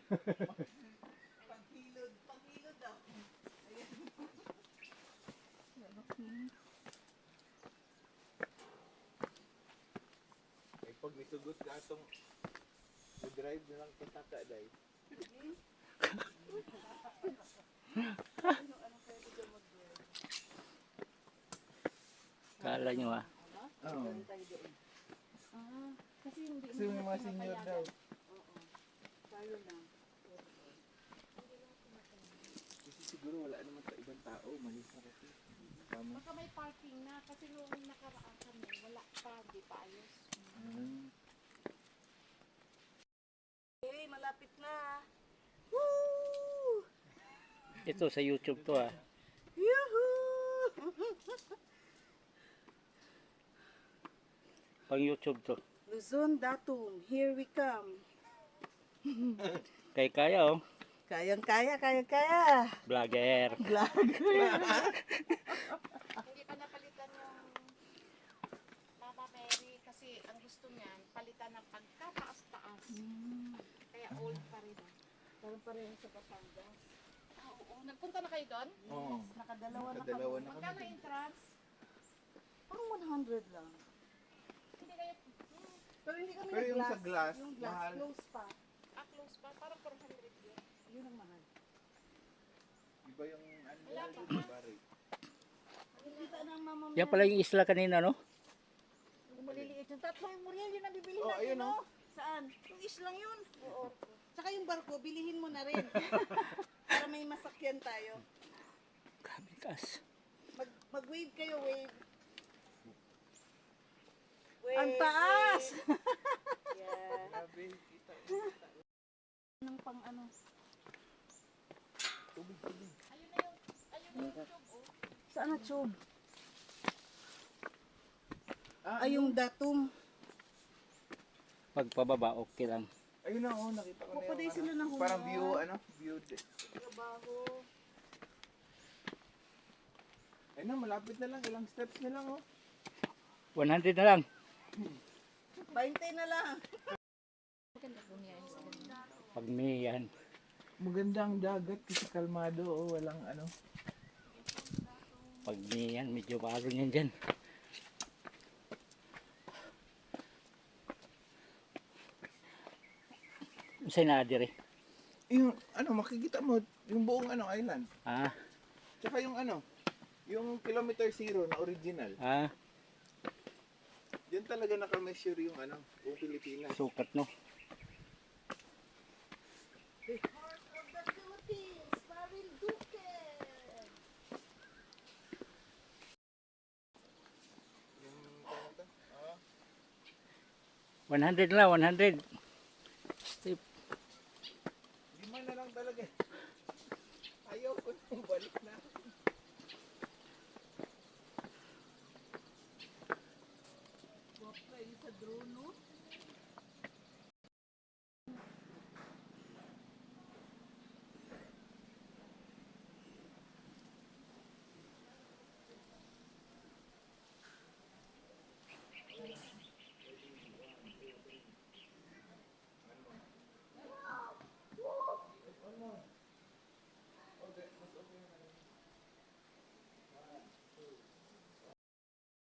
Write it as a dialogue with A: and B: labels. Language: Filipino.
A: Panghilod daw.
B: Ay, pag nisugot ka itong drive na lang pasaka dahil.
C: Kala nyo ah.
B: Oo.
A: Kasi hindi
B: Kasi yung mga senior daw.
A: tayo lang.
B: Kasi siguro wala naman sa ibang tao. Malis na kasi. Tama.
A: Baka may parking na kasi noong nakaraan kami, wala pa, di pa ayos. Hey, malapit na. Woo!
C: Ito sa YouTube to ah.
A: Yuhuu!
C: Pang YouTube to.
A: Luzon Datum, here we come.
C: Kaya oh.
A: Kayang-kaya.
C: Vlogger.
A: Hindi pa napalitan yung Mama Mary kasi ang gusto niyan, palitan ng pagkataas-taas. Kaya old pa rin. Parang pareho sa Batangas. Oo. Nagpunta na kayo doon?
B: Oo.
A: Nakadalawa na
B: Nakadalawa
A: kami.
B: na kami.
A: Magkano entrance? Parang 100 lang. Hindi kayo... Pero hindi kami
B: Pero yung sa glass,
A: yung glass,
B: mahal.
A: close pa. Close pa? Parang 400 yun. Yun ang mahal.
B: Iba yung ano
A: Wala
B: doon,
A: pa.
B: pare.
A: Nakikita ng mama mo
C: Yan pala yung isla kanina no?
A: Yung maliliit yung tatlo yung Muriel, yun ang bibili
B: Oh,
A: natin,
B: ayun,
A: no? Saan? Yung islang yun. Oo. Tsaka yung barko, bilihin mo na rin. Para may masakyan tayo.
C: Grabe taas.
A: Mag-wave kayo, wave. Wave. Ang taas! Yeah.
B: Grabe, kita.
A: Nang pang ano.
B: Tubig.
A: Ayun na yung tube, oh. Saan na tube?
B: Ah,
A: Ay, yung datum.
C: Pagpababa okay lang.
B: ayun na, oh, nakita ko na
A: Pupuday
B: yung
A: sila ng
B: ano. Parang
A: humor.
B: view.
A: Trabaho.
B: Ayun na, malapit na lang. Ilang steps na lang, oh.
C: 100 na lang.
A: 20 na lang.
C: Pag may yan.
B: Maganda ang dagat kasi kalmado, oh. Walang ano.
C: Pag may yan, medyo baro yan dyan. Saan na dire?
B: Yung ano, makikita mo yung buong ano island.
C: Ah,
B: Tsaka yung ano, yung kilometer zero na original.
C: ah,
B: Diyan talaga naka-measure yung ano, buong Pilipinas.
C: sukat no.
A: The heart of the Philippines, Marinduque.
B: Yung ano to? Ah,
C: 100 na, 100. Step.
B: 5 na lang talaga. Ayaw ko nang balik.